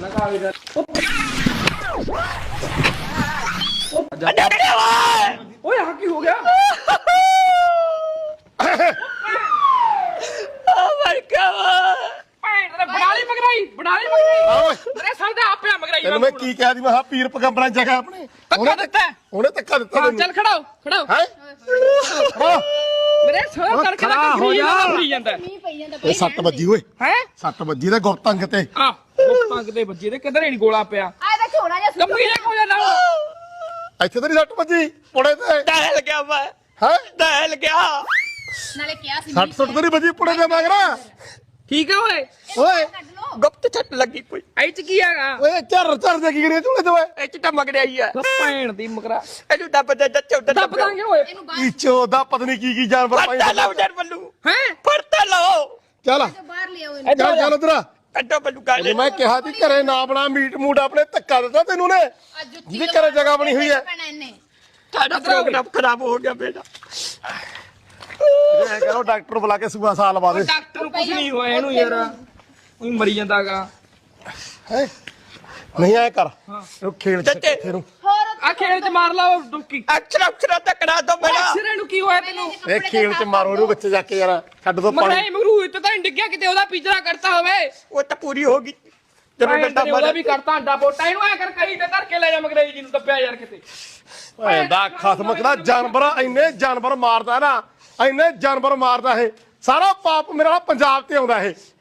ਓਏ ਆ ਕੀ ਹੋ ਗਿਆ? ਤੈਨੂੰ ਮੈਂ ਕੀ ਕਹਿ ਦੀ ਮੈਂ ਪੀਰ ਪਗੰਬਰਾਂ ਜਗ੍ਹਾ ਆਪਣੇ ਧੱਕਾ ਦਿੱਤਾ ਉਹਨੇ ਧੱਕਾ ਦਿੱਤਾ ਹਾਂ ਚੱਲ ਖੜਾਓ ਖੜਾਓ ਹੈ ਮੇਰੇ ਸਾਹ ਕਰਕੇ ਨਾ ਹੋ ਜਾਂਦਾ ਇਹ 7 ਵੱਜੀ ਓਏ ਹੈ 7 ਵੱਜੀ ਤੇ ਗੁਰਤੰਗ ਤੇ ਆ ਗੁਪਤੰਗ ਦੇ ਵੱਜੇ ਤੇ ਕਿਧਰੇ ਨਹੀਂ ਗੋਲਾ ਪਿਆ ਆ ਇਹਦਾ ਝੋਲਾ ਜਿਹਾ ਸੁੱਟ ਕੰਮੀ ਜਾ ਹੋ ਜਾਂਦਾ ਇੱਥੇ ਤਾਂ ਨਹੀਂ 6 ਵੱਜੀ ਪੁੜੇ ਤੇ ਟਹਿਲ ਗਿਆ ਮੈਂ ਹੈ ਟਹਿਲ ਗਿਆ ਨਾਲੇ ਕਿਹਾ ਸੀ 60 ਸੁੱਟ ਤਾਂ ਨਹੀਂ ਵੱਜੀ ਪੁੜੇ ਤੇ ਮਗਰਾ ਠੀਕ ਹੈ ਓਏ ਓਏ ਕੱਢ ਲੋ ਗੁਪਤ ਛੱਟ ਲੱਗੀ ਕੋਈ ਐ ਚ ਕੀ ਹੈਗਾ ਓਏ ਝਰ ਦੇ ਕੀ ਕਰੀਏ ਝੂਲੇ ਤੇ ਓਏ ਇਹ ਚ ਤਾਂ ਮਗੜਿਆ ਹੀ ਆ ਭੈਣ ਦੀ ਮਗਰਾ ਇਹਨੂੰ ਦੱਬ ਦੇ ਦੱਚੋ ਦੱਬ ਦਾਂਗੇ ਓਏ ਇਹਨੂੰ ਬਾਹਰ ਈਚੋ ਦਾ ਪਤਾ ਨਹੀਂ ਕੀ ਜਾਨਵਰ ਫੜਤਾ ਲਓ ਜਰ ਬੱਲੂ ਹੈ ਫੜਤਾ ਲਓ ਚੱਲ ਬਾਹਰ ਲਿਆਓ ਇਹਨੂੰ ਚੱਲ ਚੱਲ ਉਧਰ ਕੱਢੋ ਬੱਲੂ ਗਾਲੇ ਮੈਂ ਕਿਹਾ ਸੀ ਘਰੇ ਨਾ ਬਣਾ ਮੀਟ ਮੂਟ ਆਪਣੇ ਧੱਕਾ ਦਿੱਤਾ ਤੈਨੂੰ ਨੇ ਅੱਜ ਜੁੱਤੀ ਜਿਹਦੇ ਘਰੇ ਜਗ੍ਹਾ ਬਣੀ ਹੋਈ ਹੈ ਇਹਨੇ ਸਾਡਾ ਪ੍ਰੋਗਰਾਮ ਖਰਾਬ ਹੋ ਗਿਆ ਬੇਟਾ ਇਹ ਕਰੋ ਡਾਕਟਰ ਬੁਲਾ ਕੇ ਸੂਆ ਸਾਲ ਲਵਾ ਦੇ ਡਾਕਟਰ ਨੂੰ ਕੁਝ ਨਹੀਂ ਹੋਇਆ ਇਹਨੂੰ ਯਾਰ ਉਹ ਮਰੀ ਜਾਂਦਾਗਾ ਹੈ ਨਹੀਂ ਆਇਆ ਕਰ ਉਹ ਖੇਲ ਚੱਚੇ। ਨੂੰ ਹੋਰ ਆ ਖੇਲ ਚ ਮਾਰ ਲਾ ਉਹ ਡੁੱਕੀ ਅਕਸ਼ਰ ਤੱਕੜਾ ਦੋ ਮੇਰਾ ਅਕਸ਼ਰ ਨੂੰ ਕੀ ਹੋਇਆ ਤੈਨੂੰ ਇਹ ਖੇਲ ਚ ਮਾਰੋ ਇਹਨੂੰ ਬੱਚੇ ਜਾ ਕੇ ਯਾਰ ਛੱਡ ਦੋ ਪਾਣੀ ਮਗਰਾਈ ਮਗਰੂ ਇੱਥੇ ਤਾਂ ਡਿੱਗਿਆ ਕਿਤੇ ਉਹਦਾ ਪਿਜਰਾ ਕਰਤਾ ਹੋਵੇ ਉਹ ਤਾਂ ਪੂਰੀ ਹੋ ਗਈ ਜਦੋਂ ਜਦੋਂ ਡੰਡਾ ਉਹਦਾ ਵੀ ਕਰਤਾ ਅੰਡਾ ਪੋਟਾ ਇਹਨੂੰ ਐ ਕਰ ਕਹੀ ਤੇ ਧਰ ਕੇ ਲੈ ਜਾ ਮਗਰਾਈ ਜੀ ਨੂੰ ਦੱਬਿਆ ਯਾਰ ਕਿਤੇ ਓਏ ਦਾ ਖਸਮ ਕਿਹੜਾ ਜਾਨਵਰ ਇੰਨੇ ਜਾਨਵਰ ਮਾਰਦਾ ਨਾ ਇੰਨੇ ਜਾਨਵਰ ਮਾਰਦਾ ਇਹ ਸਾਰਾ ਪਾਪ ਮੇਰਾ ਪੰਜਾਬ ਤੇ ਆਉਂਦਾ ਇਹ